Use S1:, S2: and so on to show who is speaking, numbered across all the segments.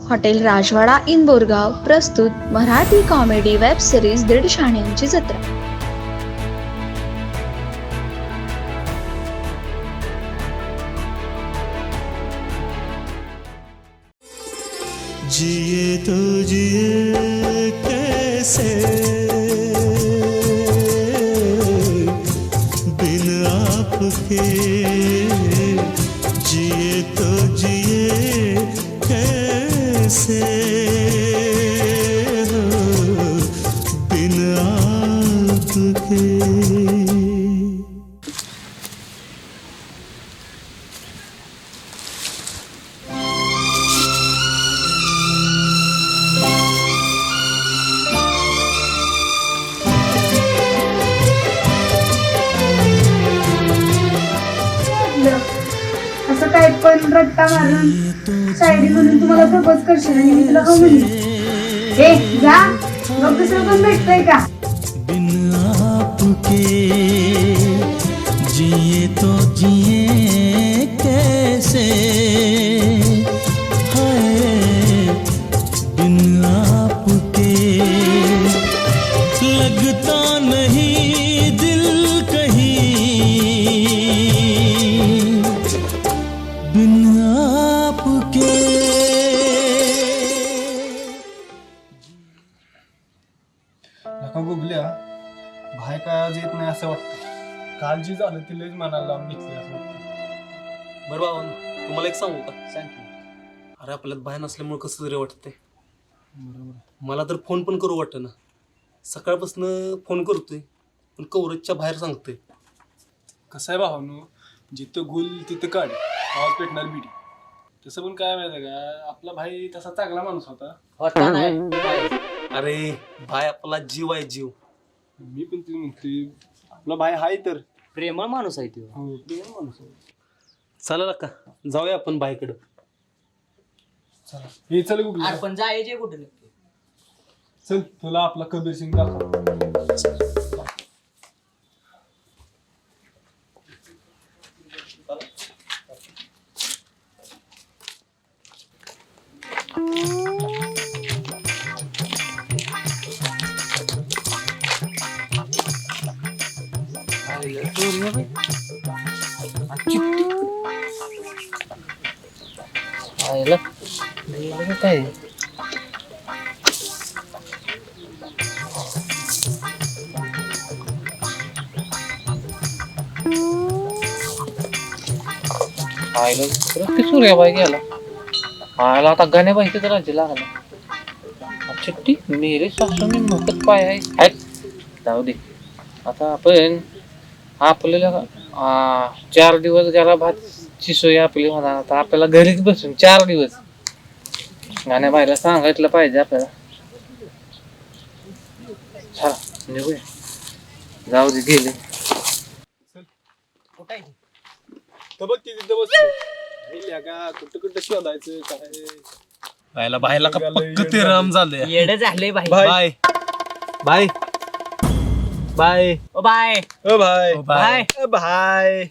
S1: Hotel राजवाडा in Borgaon प्रस्तुत Marathi comedy web series दीड शहाण्यांची जत्रा.
S2: जिए तो जिए कैसे बिन आपके, जिए तो जिए कैसे बिन आपके.
S3: असं काय पण रट्टा मारून शायरी म्हणून तुम्हाला प्रपोज करशील आणि मी तुला हो म्हणली. हे जा मग दुसरं पण भेटतंय का?
S2: बिन आपके जिए तो जिए कैसे, हाय बिन आपके लगता नहीं दिल कहीं, बिन आपके.
S4: नका गुगल्या भाई काय आज येत नाही असं वाटतं. काल जी झालं ती लयच मनाला लावून घेतली असं वाटतं.
S5: बरं बाबा, तुम्हाला एक सांगू का? सांग. अरे आपल्यात बाहेर नसल्यामुळे कसं तरी वाटतंय.
S4: बरोबर.
S5: मला तर फोन पण करू वाटतं ना. सकाळपासून फोन करतोय पण कवरेजच्या बाहेर सांगतोय.
S4: कसं आहे भावानू, जिथं गुल तिथं काढ, आवाज पेटणार बिडी. तसं पण काय माहिती का, आपला भाई तसा चांगला माणूस होता.
S5: अरे भाई आपला जीव आहे जीव.
S4: मी पण ते म्हणतोय आपला भाई हाय तर
S6: प्रेमळ माणूस आहे तो.
S4: हो प्रेम माणूस आहे.
S5: चालेल का जाऊया आपण बाईकडं.
S4: चला हे चल गुगल्या,
S6: अरे पण जायचे कुठे नक्की?
S4: चल तुला आपला कबीर सिंग दाखव.
S6: काय सूर्याबाई गेला आयला आता गाण्याबाई तर राज्य लागला. चिट्टी मेरे सासूने मोठच पाय आहे. जाऊ दे आता आपण आपल्याला 4 दिवस गेला भातची सोय आपली होणार. आता आपल्याला घरीच बसून 4 दिवस गाण्याबाईला सांगितलं पाहिजे आपल्याला. चला निघूया. जाऊ दे गेले.
S4: तर बघ तिथे बसतो का कुठं कुठं शोधायचं काय.
S5: बायला बायला का पक्क ते राम झालंय.
S6: येडं झालंय बाई.
S5: बाय बाय बाय
S6: ओ बाय
S4: ओ भाई
S6: बाय.
S4: ओ भाई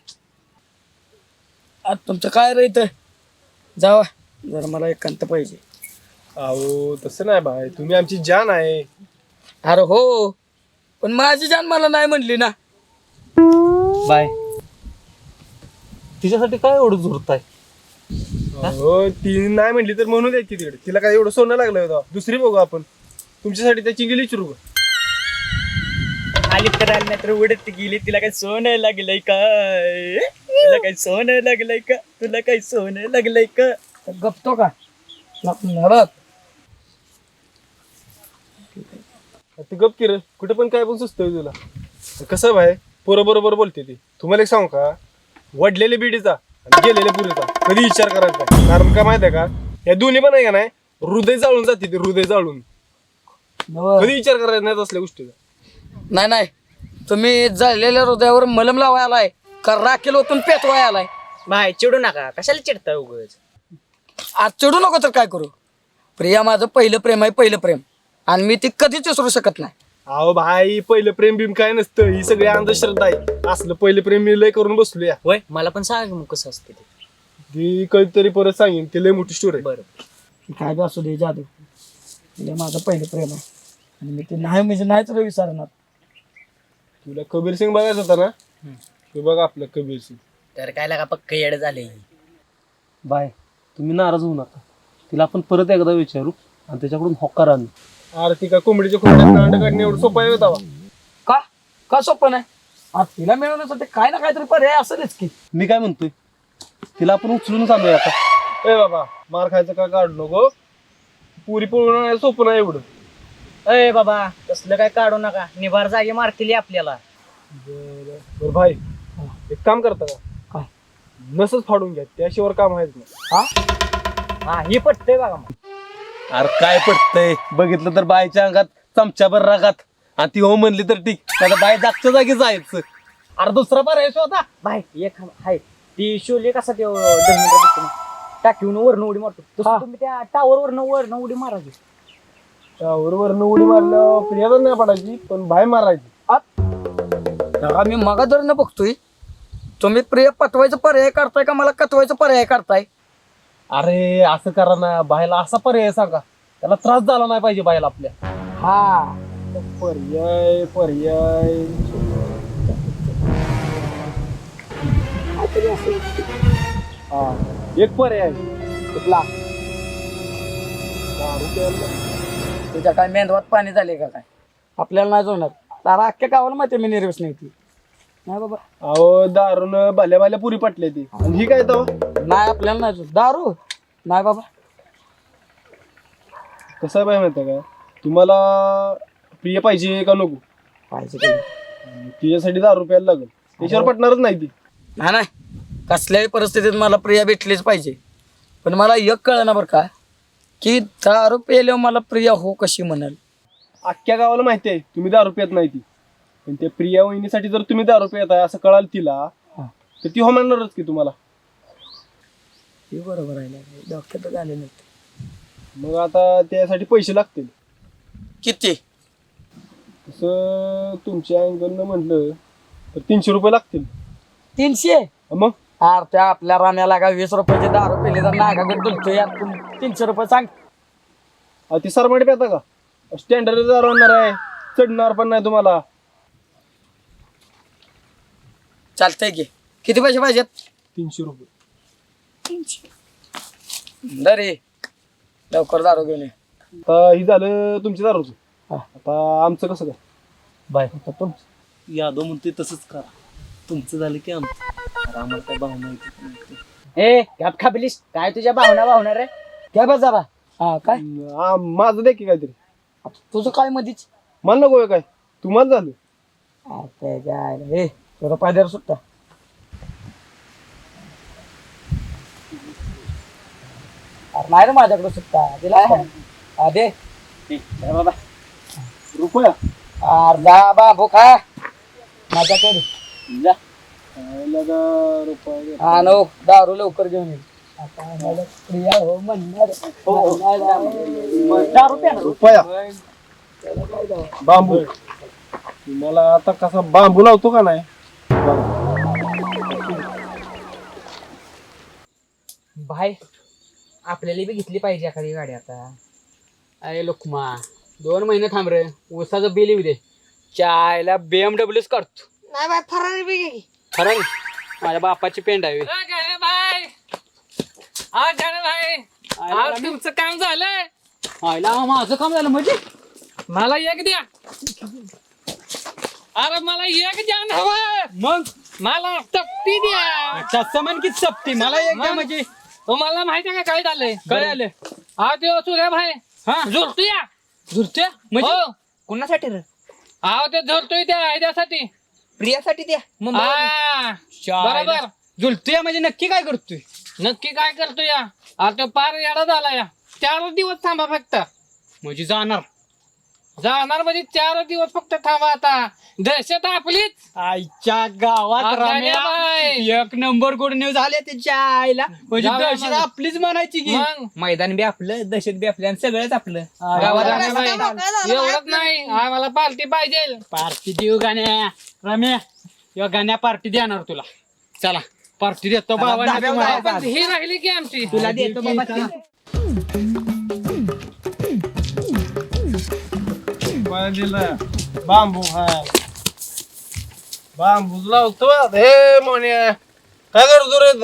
S7: तुमचं काय रे इथं? जावा जरा मला एकांत पाहिजे.
S4: अहो तसं नाही भाई, तुम्ही आमची जान आहे.
S7: अरे हो पण माझी जान मला नाही म्हणली ना.
S5: बाय. तिच्यासाठी काय एवढं झुरताय?
S4: हो ती नाही म्हणली तर म्हणून द्यायची तिकडे. तिला काय एवढं सोनं लागलं होतं. दुसरी बघू आपण. तुमच्यासाठी त्या चिंगली विचारू का?
S6: आली करायला नाही तर उडत गेली. तिला काय सोनं लागलंय काय? तुला काय सोनं लागलंय का? तुला काय सोनं लागलंय का?
S7: गपतो का बघ.
S4: ती गप किर कुठे पण काय पण सुचतोय तुला. कसं भाई पोरं बरोबर बोलते ती. तुम्हाला एक सांगू का, वडलेल्या बिडीचा आणि गेलेल्या पुरीचा कधी विचार करायचा नाही. कारण का माहिती आहे का, या दोन्ही पण आहे का नाही हृदय जाळून जाते. ते हृदय जाळून कधी विचार करायचा नाही असल्या गोष्टीचा.
S7: नाही नाही तुम्ही जळलेल्या हृदयावर मलम लावाय आलाय का राखेल ओतून पेटवाय आलाय?
S6: बाय चिडू नका. कशाला चिडताय उगाच?
S7: आज चिडू नको तर काय करू. प्रिया माझं पहिलं प्रेम आहे, पहिलं प्रेम. आणि मी ती कधीच विसरू शकत नाही.
S4: अहो भाई पहिलं प्रेम बिम काय नसतं. ही सगळी अंधश्रद्धा आहे. असलं पहिलं प्रेम मी लय करून बसलो.
S6: होय मला पण सांग मग कसं असते ते.
S4: ती कधीतरी परत सांगेन. ती लय मोठी स्टोरी आहे.
S6: बरं
S7: की काय बी असू दे जाधव, तिला माझं पहिलं प्रेम आहे आणि मी ते नाही म्हणजे नाहीच रे विचारणार.
S4: तुला कबीर सिंग बघायचं होता ना, ते बघ आपलं कबीर सिंग.
S8: तर काय लागा पक्क येड झाले.
S5: बाय, तुम्ही नाराज होऊ नका. तिला आपण परत एकदा विचारू आणि त्याच्याकडून होकार आणू.
S4: आरती का कोंबडीच्या खोड्यात अंड काढणे एवढं सोपं आहे होता.
S7: का का सोपं नाही? आज तिला मिळवण्यासाठी काय ना काहीतरी पर्याय असेलच की.
S5: मी काय म्हणतोय, तिला आपण उचलून आणूया आता.
S4: ए बाबा, मार खायचं का काढू नको. पुरी पळून सोपं नाही एवढं.
S8: अय बाबा तसलं काय काढू नका, निभार जागे मारतील आपल्याला.
S4: बरं भाई, एक काम करता का?
S7: काय?
S4: नसच फाडून घ्या, त्याशिवाय काम आहेच ना.
S8: हा ही पटतंय बघा मग.
S5: अरे काय पडतंय, बघितलं तर बायच्या अंगात चमच्याभर रागात, आणि ती हो म्हणली तर ठीक, आता बाय जागच्या जागी जायचं. अरे दुसरा पर्याय शोधा.
S8: बाय एक हाय ती शोले कसा ते धर्मेंद्र टाकीहून वरनं उडी मारतो तसं तुम्ही त्या टावर वरनं उडी मारायची.
S4: त्यावर उडी मारल्यावर प्रियाला नाही पडायची, पण बाय मारायची.
S7: मी मगा जर न बघतोय, तुम्ही प्रिय पटवायचं पर्याय काढताय का मला कटवायचं पर्याय काढताय?
S5: अरे असं करा ना, बायला असा पर्याय सांगा, त्याला त्रास झाला नाही पाहिजे बायला आपल्या.
S7: हा
S4: पर्याय पर्याय हा एक पर्याय
S7: कुठला? तुझ्या काय मेंदवात पाणी झाले का काय? आपल्याला नाही जोडणार. तारा अख्ख्या गावाला माहिती मी निर्वेश नाही ती. नाही बाबा,
S4: अहो दारून भल्या भल्या पुरी पटल्या ती, आणि ही काय तर
S7: नाही आपल्याला नाही जोड. दारू नाही बाबा.
S4: कसं आहे बाय माहिती का, तुम्हाला प्रिय पाहिजे का नको?
S7: पाहिजे की.
S4: तिच्यासाठी दारू प्यायला लागेल, त्याच्यावर पटणारच नाही ती.
S7: नाही कसल्याही परिस्थितीत मला प्रिया भेटलीच पाहिजे. पण मला एक कळलं ना बरं का, की दारू प्यायल्यावर मला प्रिया हो कशी म्हणाल.
S4: अख्ख्या गावाला माहिती आहे तुम्ही दारू पित नाही ती, पण त्या प्रिया वहिनीसाठी जर तुम्ही दारू पित आहे असं कळाल तिला, तर ती हो म्हणणारच की तुम्हाला.
S7: हे बरोबर आहे, डॉक्टर झाले नाही.
S4: मग आता त्यासाठी पैसे लागतील.
S7: किती?
S4: तसं तुमच्या अँगलनं म्हटलं तर 300 रुपये लागतील.
S7: 300?
S4: मग
S7: अरे त्या आपल्या राम्याला का 20 रुपयाचे दारू पेले तर नागाकडे तुलतो यार. 300 रुपये सांग.
S4: ती सरमाडी पेता का? स्टँडर्ड दारू आणणार आहे, चढणार पण नाही तुम्हाला.
S7: चालतंय की. किती पैसे पाहिजेत?
S4: 300 रुपये.
S7: दरे लवकर दारू घेऊन ये.
S4: आता ही झालं तुमच्या दारूचं. आता आमचं कसं काय?
S5: बाय, यादव म्हणतोय तसंच करा. तुमचं झालं की आमचं. अरे आम्हाला काय भावना येते.
S8: ए गप खाबलीस, काय तुझ्या भावना रे?
S7: घ्या बा जरा. हा काय
S4: माझं द्या की काहीतरी.
S7: तुझं काय मधीच?
S4: मला नको काय, तुम्हाला झालं.
S7: हे तुला पायद्यावर सुट्टा. अरे नाही रे माझ्याकडे सुट्टा दिला दे
S8: बाबा
S4: रुपया
S7: अर्धा बाबू खा माझ्याकडे
S4: रुपया
S7: हा नो दारू लवकर घेऊन ये. आता आम्हाला प्रिया हो म्हणणार.
S4: रुपया बांबू. तुम्हाला आता कसा बांबू लावतो का नाही?
S8: भाई आपल्याला बी घेतली पाहिजे एखादी गाडी आता.
S9: अरे लोकमा 2 महिने थांब रे, ऊसाचं बिल येऊ दे. चायला BMWच काढतो.
S8: नाही बाय फरारी बी घे.
S9: खरं माझ्या बापाची पेंड आहे.
S6: तुमचं काम झालंय.
S9: आयला माझं काम झालं म्हणजे
S6: मला एक द्या. अरे मला एक द्या ना हवं.
S9: मग
S6: मला तप्ती द्या.
S9: तसं म्हण की सप्ती मला एक द्या म्हणजे.
S6: तुम्हाला माहिती आहे का काय झालंय?
S9: काय आलं?
S6: हा ते सूर्या भाई
S9: हा
S6: झुरतोय.
S9: झुरत्या म्हणजे
S6: हो.
S8: कुणासाठी रे?
S6: हा ते झुरतोय त्या ह्याच्यासाठी.
S8: प्रियासाठी द्या.
S6: हा बरोबर.
S9: झुलतोय म्हणजे नक्की काय करतोय?
S6: नक्की काय करतोय या? आता पार येडा झाला या. 4 दिवस थांबा फक्त.
S9: म्हणजे जाणार
S6: म्हणजे 4 दिवस फक्त थांबा. आता दहशत आपलीच.
S9: आईच्या गावात
S6: अरे
S9: रम्या
S6: बाई.
S9: एक नंबर गुड न्यूज आले त्याच्या आईला. म्हणजे
S6: जाऊया
S9: दहशत
S6: मग.
S9: आपलीच म्हणायची की.
S6: मग
S8: मैदान बी आपलं, दहशत बी आपलं आणि सगळंच आपलं.
S6: गावात एवढंच नाही, आम्हाला पार्टी पाहिजे.
S9: पार्टी देऊ गाण्या रम्या. या गाण्या पार्टी देणार तुला. चला पार्टी देतो बाबा.
S6: ही राहिली की आमची.
S8: तुला देतो बाबा.
S4: मला दिलं बांबू खाय बांबूच लावतो हे मोन्या काय करतो रे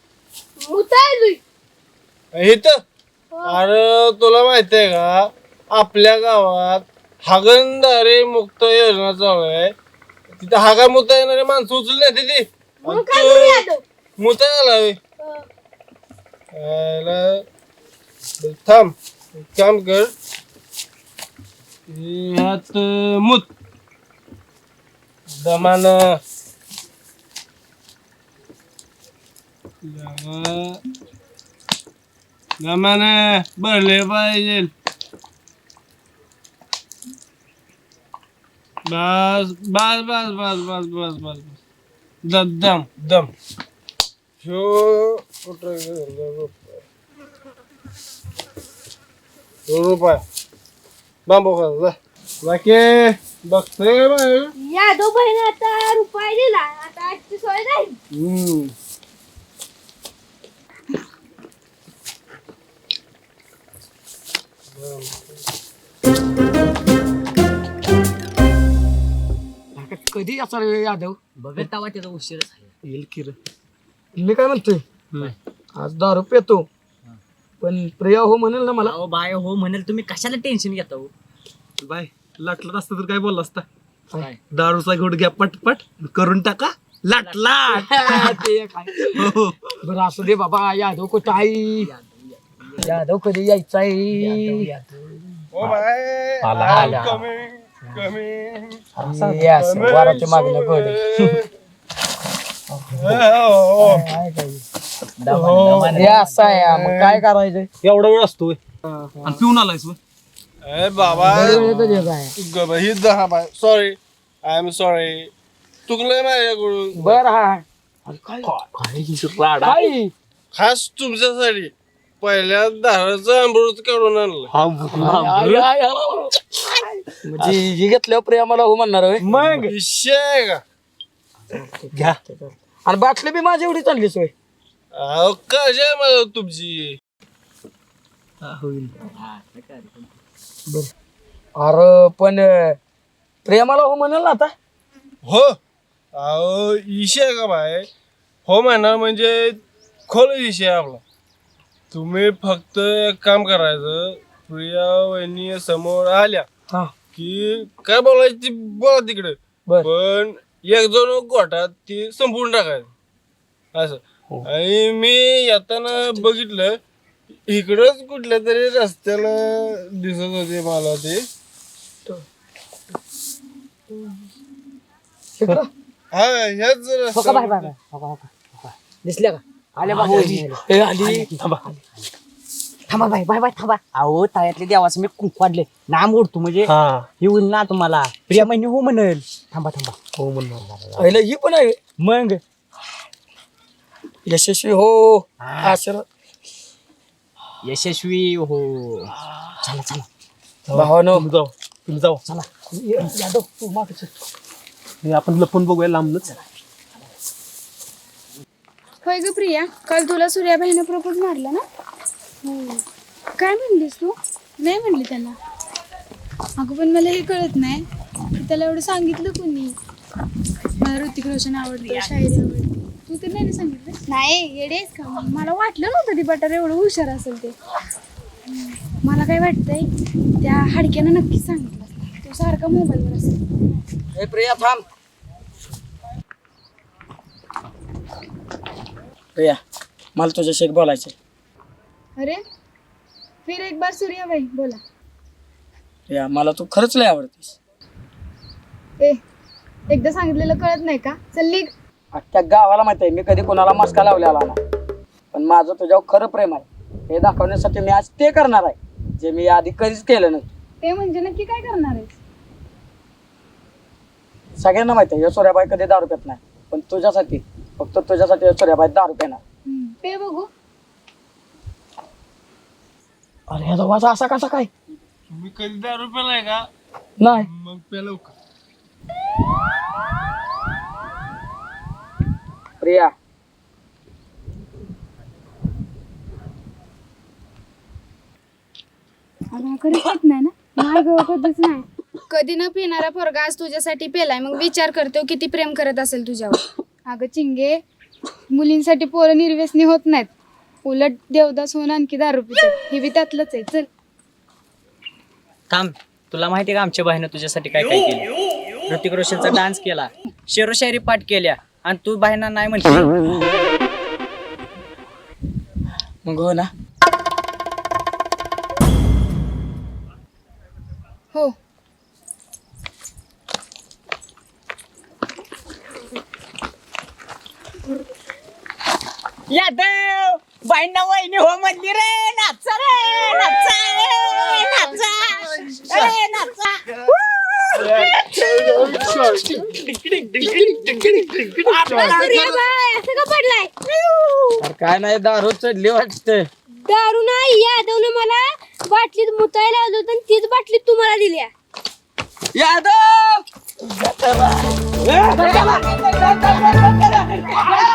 S4: इथं अरे तुला माहिती आहे का आपल्या गावात हागणदारी मुक्त योजना चालू आहे तिथे हागा मुता येणारे माणसं उचलली नाही ती मुता आला थांब एक काम कर ह्यात मूत दमान दमाने भरले पाहिजे बस बस बस बस बस बस बस दम दम शो रुपये बांबू खा बाकी बघतोय
S3: यादव बहिणी आता रुपये दिला आता आजची सोय नाही
S7: कधी असा रे यादव
S8: बघत तेव्हा त्याचा उशीर
S7: येईल की रे मी काय म्हणतोय आज दारू पितो पण प्रिया हो म्हणेल ना मला
S8: अहो बाय हो म्हणेल तुम्ही कशाला टेन्शन घेता हो
S5: बाय लाटलात असतं तर काय बोलला असता
S8: काय?
S5: दारूचा घोट घ्या पटपट करून टाका लाटला
S7: ते काय बरं असू दे बाबा यादव कुठं आहे यादव कधी यायचा आहे
S4: ओ बाय
S7: आला.
S4: कमी कमी
S7: वाराच्या मागणं गोड असं आहे मग काय करायचं
S5: एवढा वेळ असतोय आणि पिऊन आलायस होय?
S4: ए बाबा ही दहा bye sorry I am sorry चुकलंय माझ्याकडून
S7: बर हा काय
S4: खास तुमच्यासाठी पहिल्या दाराचं अमृत काढून आणलं
S7: म्हणजे ही घेतल्यावर प्रिया हो म्हणणार होय
S4: मग विषय आहे का
S5: घ्या
S7: आणि बाटली बी माझी एवढी चाललीच होय
S4: अहो कशी आहे मला तुमची
S7: अरे पण प्रेमाला हो म्हणाल ना आता
S4: हो अहो विषय आहे का बाय हो म्हणणार म्हणजे खोल विषय आहे आपला तुम्ही फक्त एक काम करायचं प्रिया वहिनी समोर आल्या
S7: हा
S4: की काय बोलायची ती बोला तिकडे
S7: बर.
S4: पण एक दोन गोठात ती संपवून टाकायचं असं आणि मी येताना बघितलं इकडंच कुठल्या तरी रस्त्याला दिसत होते मला ते हा ह्याच रस्त्याला
S8: दिसल्या का आल्या बघा
S7: आली
S8: थांबा बाय बाय बाय थांबा अहो तळ्यातले देवाचं मी कुंकू वाढले नाम ओढतो म्हणजे
S5: हा
S8: हे होईल ना तुम्हाला प्रिया महिने हो म्हणेल थांबा थांबा
S5: हो म्हणणार
S7: पहिलं ही पण आहे
S8: मग
S7: यशस्वी हो आशीर्वाद
S8: यशस्वी हो चला चला
S7: भावानो
S5: तुम्ही जाऊ
S8: चला यादव तू मागच
S5: हे आपण लपून बघूया लांबनच
S3: होय ग प्रिया काल तुला सूर्याबाईनं प्रपोज मारला ना काय म्हणलीस तू नाही म्हणली त्याला अगं पण मला हे कळत नाही की त्याला एवढं सांगितलं कोणी मला ऋतिक रोशन आवडतं शायरी आवडते तू तर नाही ना सांगितलं नाही येडेच का मग मला वाटलं नव्हतं ती बटार एवढं हुशार असेल ते मला काय वाटतंय त्या हाडक्यानं नक्कीच सांगितलं तो सारखा मोबाईलवर असेल
S7: हे प्रिया थांब प्रिया मला तुझ्याशी एक बोलायचं
S3: अरे फिर एक बार सूर्याबाई बोला
S7: प्रिया मला तू खरंच लय आवडतेस
S3: ए एकदा सांगितलेलं कळत नाही का चल निघ
S7: अख्ख्या गावाला माहिती आहे मी कधी कोणाला मस्का लावलेला नाही पण माझं तुझ्यावर खरं प्रेम आहे हे दाखवण्यासाठी मी आज ते करणार आहे जे मी आधी कधीच केलं नाही
S3: ते म्हणजे नक्की काय करणार आहेस
S7: सगळ्यांना माहिती आहे सूर्याबाई कधी दारू पित नाही पण तुझ्यासाठी फक्त तुझ्यासाठी सूर्याबाई दारू पिणार
S3: ते बघू
S7: अरे ह्याचा वाजा असा कसा काय
S4: तुम्ही कधी दारू पेलाय का
S7: नाही
S4: मग पेलो का
S7: प्रिया
S3: अगं कधीच होत नाही ना नाही ग कधीच नाही कधी न पिणारा पोरगा आज तुझ्यासाठी पेलाय, मग विचार करतो किती प्रेम करत असेल तुझ्यावर. अगं चिंगे, मुलींसाठी पोरं निर्व्यसनी होत नाहीत, उलट देवदास होऊन आणखी दारू पितात. हे बी त्यातलंच आहे. चल.
S8: थांब, तुला माहिती का आमच्या बाईनं तुझ्यासाठी काय काय केलं? ऋतिक रोशनचा डान्स केला, शेरोशायरी पाठ केल्या, आणि तू बाईंना नाही म्हणते.
S7: मग हो ना.
S3: हो.
S8: यादव बाईंना वहिनी हो म्हणली रे. नाचा रे, नाचा रे, नाचा ए, नाचा.
S7: अरे काय नाही, दारू चढली वाटतं.
S10: दारू नाही, यादवनं मला बाटलीत मुतायला लावलं होतं आणि तीच बाटली तुम्हाला दिल्या.
S7: यादव